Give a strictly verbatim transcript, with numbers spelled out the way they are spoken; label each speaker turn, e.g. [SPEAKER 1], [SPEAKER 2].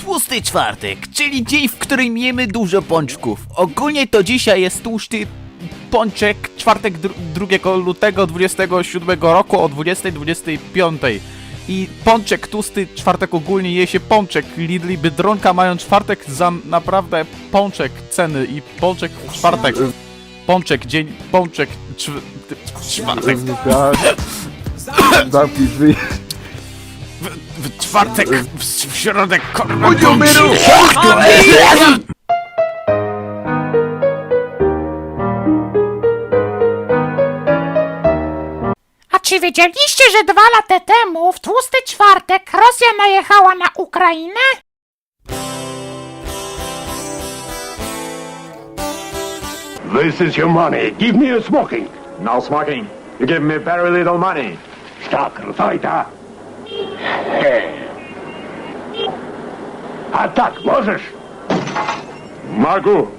[SPEAKER 1] Tłusty czwartek, czyli dzień, w którym jemy dużo pączków. Ogólnie to dzisiaj jest tłusty pączek, czwartek drugiego lutego dwudziestego siódmego roku o dwudziestej dwudziestej piątej. I pączek tłusty czwartek ogólnie je się pączek. Lidl i Biedronka mają czwartek za naprawdę pączek ceny i pączek w czwartek. Pączek, dzień, pączek, czw czwartek.
[SPEAKER 2] Zamknij drzwi.
[SPEAKER 1] W, w czwartek, w, w środek, korna,
[SPEAKER 3] A czy wiedzieliście, że dwa lata temu, w tłusty czwartek, Rosja najechała na Ukrainę?
[SPEAKER 4] This is your money. Give me a smoking.
[SPEAKER 5] No smoking. You give me very little money.
[SPEAKER 4] Tak, Rosajta. A tak, możesz?
[SPEAKER 5] Могу.